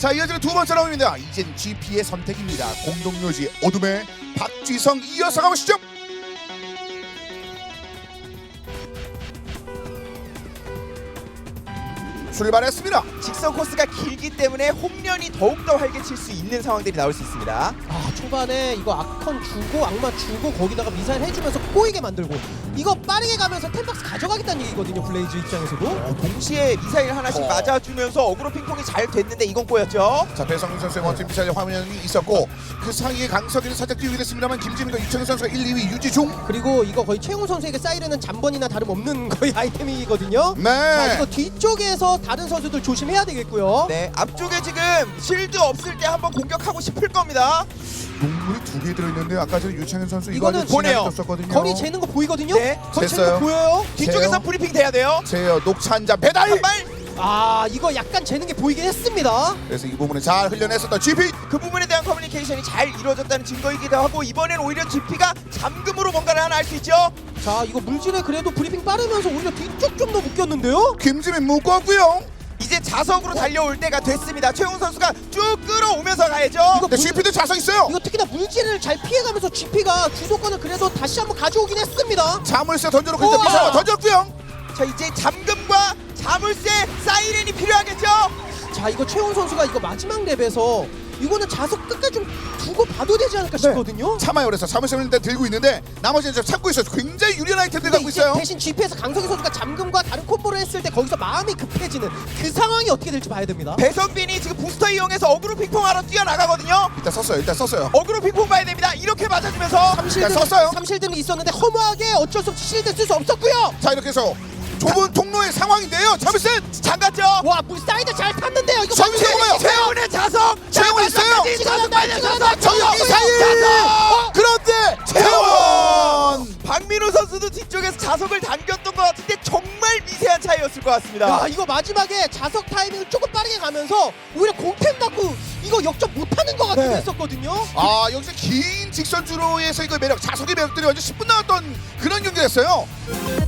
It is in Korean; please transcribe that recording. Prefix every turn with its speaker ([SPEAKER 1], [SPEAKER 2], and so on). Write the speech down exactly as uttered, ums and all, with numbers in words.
[SPEAKER 1] 자, 이어지는 두 번째 라운드입니다. 이젠 지피의 선택입니다. 공동묘지 어둠의 박지성 이어서 가보시죠. 출발했습니다.
[SPEAKER 2] 직선 코스가 길기 때문에 홈런이 더욱더 활개칠 수 있는 상황들이 나올 수 있습니다.
[SPEAKER 3] 아 초반에 이거 아컨 주고 악마 주고 거기다가 미사일 해주면서 꼬이게 만들고 이거 빠르게 가면서 템박스 가져가겠다는 얘기거든요. 블레이즈 입장에서도.
[SPEAKER 2] 어, 동시에 미사일 하나씩
[SPEAKER 1] 어.
[SPEAKER 2] 맞아주면서 어그로 핑퐁이 잘 됐는데 이건 꼬였죠.
[SPEAKER 1] 자, 배성민 선수의 원팀 미사일 화면이 있었고 그 사이에 강석이는 살짝 뛰게 됐습니다만 김지민과 유창현 선수가 일, 이 위 유지 중.
[SPEAKER 3] 그리고 이거 거의 최용우 선수에게 사이렌은 잠번이나 다름없는 거의 아이템이거든요.
[SPEAKER 1] 네.
[SPEAKER 3] 자 이거 뒤쪽에서 다른 선수들 조심해야 되겠고요.
[SPEAKER 2] 네, 앞쪽에 지금 실드 없을 때 한번 공격하고 싶을 겁니다.
[SPEAKER 1] 동물이 두 개 들어있는데 아까 전에 유창현 선수 이거
[SPEAKER 3] 이거는
[SPEAKER 1] 아주
[SPEAKER 2] 보내요.
[SPEAKER 1] 떴었거든요.
[SPEAKER 3] 거리 재는 거 보이거든요.
[SPEAKER 2] 네,
[SPEAKER 3] 거리 재는
[SPEAKER 1] 쟀어요.
[SPEAKER 3] 거 보여요.
[SPEAKER 2] 뒤쪽에서
[SPEAKER 1] 제요.
[SPEAKER 2] 브리핑 돼야 돼요.
[SPEAKER 1] 제어 녹차 한 잔 배달.
[SPEAKER 2] 한 발.
[SPEAKER 3] 아 이거 약간 재는 게 보이긴 했습니다.
[SPEAKER 1] 그래서 이 부분을 잘 흘려냈었던 지피.
[SPEAKER 2] 그 부분에 대한 커뮤니케이션이 잘 이루어졌다는 증거이기도 하고 이번엔 오히려 지피가 잠금으로 뭔가를 하나 할 수 있죠.
[SPEAKER 3] 자 이거 물질에 그래도 브리핑 빠르면서 오히려 뒤쪽 좀 더 묶였는데요.
[SPEAKER 1] 김지민 묶었고요.
[SPEAKER 2] 이제 자석으로 달려올 때가 됐습니다. 최용 선수가 쭉 끌어오면서 가야죠.
[SPEAKER 3] 이거
[SPEAKER 1] 근데 지피도 자석 있어요.
[SPEAKER 3] 이거 특히나 물질을 잘 피해가면서 지피가 주도권을 그래도 다시 한번 가져오긴 했습니다.
[SPEAKER 1] 자물쇠 던져놓고 이제
[SPEAKER 3] 우와.
[SPEAKER 1] 미사일 던졌고요.
[SPEAKER 2] 자 이제 잠금과 자물쇠 사이렌이 필요하겠죠.
[SPEAKER 3] 자 이거 최훈 선수가 이거 마지막 랩에서 이거는 자석 끝까지 좀 두고 봐도 되지 않을까 싶거든요.
[SPEAKER 1] 참아요. 그래서 자물쇠를 일단 들고 있는데 나머지는 좀 참고 있어요. 굉장히 유리한 아이템들
[SPEAKER 3] 근데
[SPEAKER 1] 갖고
[SPEAKER 3] 이제
[SPEAKER 1] 있어요.
[SPEAKER 3] 대신 지피에서 강석희 선수가 잠금과 다른 콤보를 했을 때 거기서 마음이 급해지는 그 상황이 어떻게 될지 봐야 됩니다.
[SPEAKER 2] 배성빈이 지금 부스터 이용해서 어그로 핑퐁하러 뛰어나가거든요.
[SPEAKER 1] 일단 썼어요. 일단 썼어요.
[SPEAKER 2] 어그로 핑퐁 봐야 됩니다. 이렇게 맞아주면서
[SPEAKER 3] 삼실드,
[SPEAKER 1] 썼어요.
[SPEAKER 3] 삼실드는 있었는데 허무하게 어쩔 수 없이 실드 쓸 수 없었고요.
[SPEAKER 1] 자, 이렇게 해서 좁은 통로의 상황인데요. 자물쇠.
[SPEAKER 2] 잠갔죠.
[SPEAKER 3] 와 물사이드 잘 탔는데요. 이거
[SPEAKER 1] 자물쇠 뭐예요?
[SPEAKER 2] 최훈의 자석.
[SPEAKER 1] 최훈 있어요.
[SPEAKER 3] 찍어낸다, 찍어낸다,
[SPEAKER 1] 정혁 미사일.
[SPEAKER 2] 자석.
[SPEAKER 1] 그런데 태원.
[SPEAKER 2] 박민호 선수도 뒤쪽에서 자석을 당겼던 것 같은데 정말 미세한 차이였을 것 같습니다.
[SPEAKER 3] 야 이거 마지막에 자석 타이밍을 조금 빠르게 가면서 오히려 공템 받고 이거 역전 못하는 것 같기도
[SPEAKER 2] 네.
[SPEAKER 3] 했었거든요.
[SPEAKER 1] 아, 여기서 긴 직선 주로에서 이거 매력, 자석의 매력들이 완전 십 분 나왔던 그런 경기였어요.